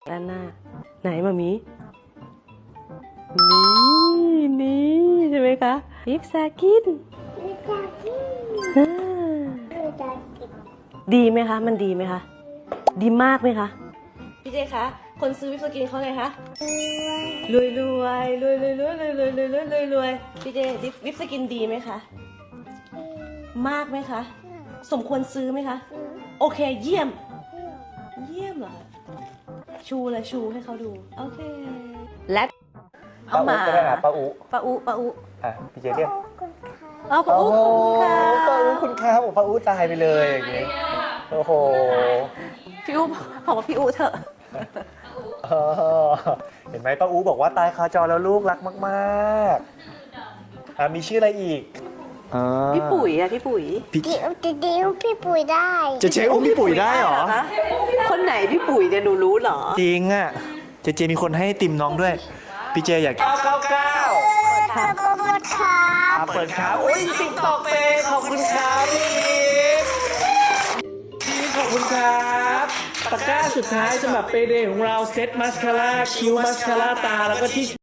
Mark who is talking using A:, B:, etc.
A: ด้านหน้าไหนมามีนี่ใช่ไหมคะลิปซากินดีไหมคะมันดีไหมคะดีมากไหมคะพี่เจคะคนซื้อวิปสกินเขาไงคะรวยพี่เจวิปสกินดีไหมคะมากไหมคะสมควรซื้อไหมคะโอเคเยี่ยมเหรอชูเลยชูให้เขาดูโอเคและเอามา
B: ป้าอุ
A: อ่ะ
B: พี่เจเรียก
A: ป้าอุขอบคุณค่ะ
B: ป้าอุคุณครับป้าอุตายไปเลยอย่างงี้โอ้โห
A: พี่อุบอกว่าพี่อุเถอะ
B: เห็นไหมป้าอุบอกว่าตายคาจอแล้วลูกรักมากๆมีชื่ออะไรอีก
A: พี่ปุ๋ยอะพี่ปุ๋ย
C: พี่ปุ๋ยได้
B: จะเช็คอุ้มพี่ปุ๋ยได้เหรอ
A: คนไหนพี่ปุ๋ยเนี่ยหนูรู้เหรอ
B: จริงอ่ะเจมีคนให้ติมน้องด้วยพี่เจอยาก999
C: ขอบคุณครับ
B: เปิดครับโอ้ยติ๊กตอกเปขอบคุณครับพี่ขอบคุณครับตะกร้าสุดท้ายสำหรับเปเดย์ของเราเซตมัสคาร่าคิ้วมัสคาร่าตาแล้วก็ที่